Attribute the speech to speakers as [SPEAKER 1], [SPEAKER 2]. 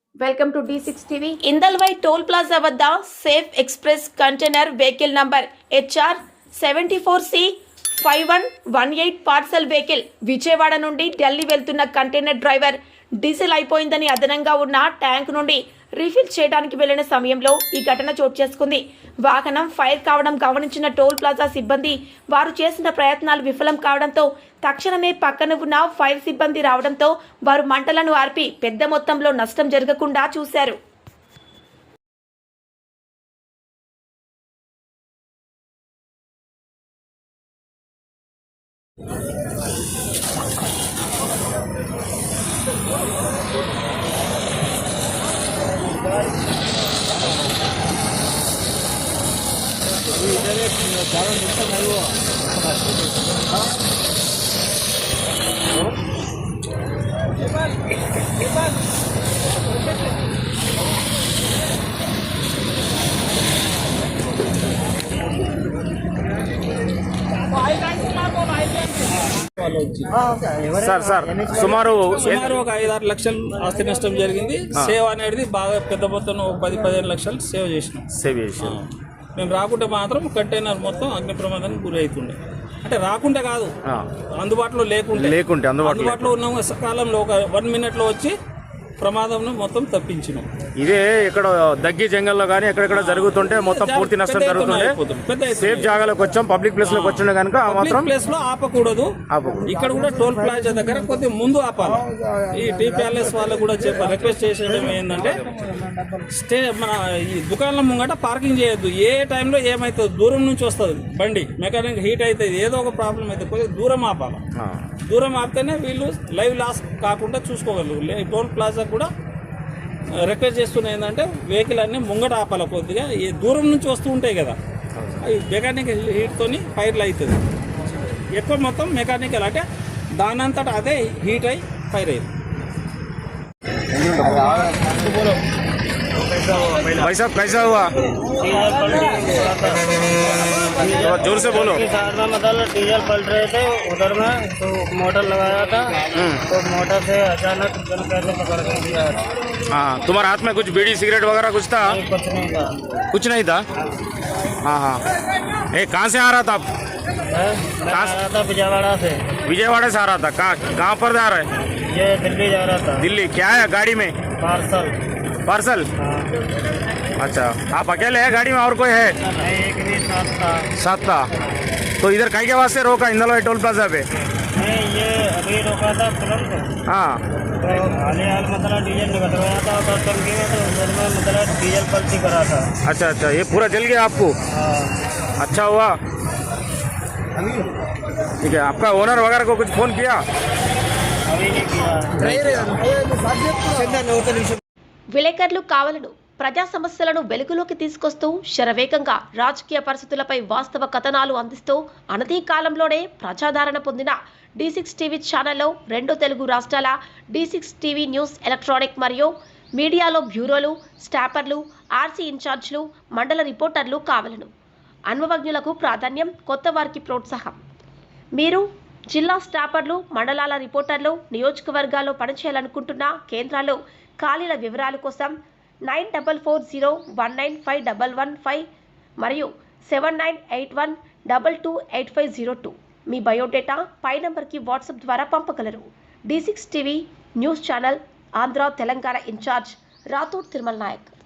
[SPEAKER 1] Welcome to D6 TV. Indalwai toll plaza వద్ద safe express container vehicle number HR 74C 5118 parcel vehicle Vijayawada నుండి ఢిల్లీ వెళ్తున్న container driver diesel అయిపోయిందని అదనంగా ఉన్న ట్యాంక్ నుండి రీఫిల్ చేయడానికి వెళ్లిన సమయంలో ఈ ఘటన చోటు చేసుకుంది. వాహనం ఫైర్ కావడం గమనించిన టోల్ ప్లాజా సిబ్బంది వారు చేసిన ప్రయత్నాలు విఫలం కావడంతో తక్షణమే పక్కన ఉన్న ఫైర్ సిబ్బంది రావడంతో వారు మంటలను ఆర్పి పెద్ద మొత్తంలో నష్టం జరగకుండా చూశారు.
[SPEAKER 2] సార్ సుమారు
[SPEAKER 3] ఒక 5-6 లక్షలు ఆస్తి నష్టం జరిగింది. సేవ్ అనేది బాగా పెద్ద మొత్తం 10-15 లక్షలు సేవ్ చేసినాం. మేము రాకుంటే మాత్రం కంటైనర్ మొత్తం అగ్ని ప్రమాదానికి గురి అవుతుండే. అంటే రాకుంటే కాదు, అందుబాటులో లేకుంటే అందుబాటులో ఉన్న కాలంలో ఒక 1 మినిట్లో వచ్చి ప్రమాదం మొత్తం తప్పించినాం.
[SPEAKER 2] ఇదే ఇక్కడ దగ్గి జంగల్లో కానీ ఎక్కడెక్కడ జరుగుతుంటే మొత్తం పూర్తి నష్టం జరుగుతుంది. సేఫ్ జాగాలోకి వచ్చాం, పబ్లిక్ ప్లేస్ లోకి వచ్చిండే కనుక మాత్రం
[SPEAKER 3] ప్లేస్ లో ఆపకూడదు. ఇక్కడ కూడా టోల్ ప్లాజా దగ్గర కొద్దిగా ముందు ఆపాలి. ఈ టీ ప్యాలెస్ వాళ్ళకు కూడా రిక్వెస్ట్ చేసేయడం ఏంటంటే మన ఈ దుకాణం ముంగట పార్కింగ్ చేయొద్దు. ఏ టైంలో ఏమైతుంది, దూరం నుంచి వస్తుంది బండి, మెకానిక్ హీట్ అవుతుంది, ఏదో ఒక ప్రాబ్లం అయితే కొద్దిగా దూరం ఆపాలి. దూరం ఆపితేనే వీళ్ళు లైవ్ లాస్ కాకుండా చూసుకోగలరు. టోల్ ప్లాజా కూడా రిక్వెస్ట్ చేస్తున్నా ఏంటంటే వెహికల్ అన్ని ముంగట ఆపాలి. కొద్దిగా ఈ దూరం నుంచి వస్తూ ఉంటాయి కదా, అవి మెకానికల్ హీట్తోని ఫైర్లు అవుతుంది. ఎక్కువ మొత్తం మెకానికల్ అంటే దానంతటా అదే హీట్ అయి ఫైర్ అయ్యింది.
[SPEAKER 2] भाई साहब कैसा हुआ? जोर से बोलो।
[SPEAKER 4] साथ में मतलब डीजल पलट रहे थे उधर में, तो मोटर लगाया था, तो मोटर से अचानक जल कैसे पकड़ के दिया।
[SPEAKER 2] हाँ, तुम्हारे हाथ में कुछ बीड़ी सिगरेट वगैरह कुछ था?
[SPEAKER 4] कुछ नहीं था।
[SPEAKER 2] कुछ नहीं था? हाँ, ए कहाँ से आ रहा था आप?
[SPEAKER 4] मैं आ रहा था विजयवाड़ा से।
[SPEAKER 2] विजयवाड़ा से आ रहा था? कहाँ पर जा रहे?
[SPEAKER 4] ये दिल्ली जा रहा था।
[SPEAKER 2] दिल्ली? क्या है गाड़ी में? पार्सल। अच्छा, आप अकेले हैं गाड़ी में और कोई है?
[SPEAKER 4] नहीं, एक भी साथ था।
[SPEAKER 2] तो इधर कहीं के वास्ते रोका इंदलवाई टोल प्लाजा पे?
[SPEAKER 4] नहीं, ये अभी रोका था तुरंत।
[SPEAKER 2] हाँ,
[SPEAKER 4] तो हाल मतलब डीजल निकल गया था और टंकी में, तो उधर में मतलब डीजल पलटी करा था।
[SPEAKER 2] अच्छा, ये पूरा जल गया आपको? अच्छा हुआ, ठीक है। आपका ओनर वगैरह को कुछ फोन किया?
[SPEAKER 4] अभी नहीं किया।
[SPEAKER 1] విలేకరులు కావాలను ప్రజా సమస్యలను వెలుగులోకి తీసుకొస్తూ శరవేగంగా రాజకీయ పరిస్థితులపై వాస్తవ కథనాలు అందిస్తూ అనతి కాలంలోనే ప్రజాదరణ పొందిన D6 టీవీ ఛానల్లో 2 తెలుగు రాష్ట్రాల D6 టీవీ న్యూస్ ఎలక్ట్రానిక్ మరియు మీడియాలో బ్యూరోలు, స్టాపర్లు, RC ఇన్ఛార్జ్లు, మండల రిపోర్టర్లు కావాలను. అనుభవజ్ఞులకు ప్రాధాన్యం, కొత్త వారికి ప్రోత్సాహం. మీరు జిల్లా స్టాపర్లు, మండలాల రిపోర్టర్లు, నియోజకవర్గాల్లో పనిచేయాలనుకుంటున్న కేంద్రాల్లో ఖాళీల వివరాల కోసం 9440195115 మరియు 7981228502 మీ బయోడేటా పై నంబర్కి వాట్సాప్ ద్వారా పంపగలరు. D6 TV news channel Andhra Telangana in-charge Rathod Tirumala Naik.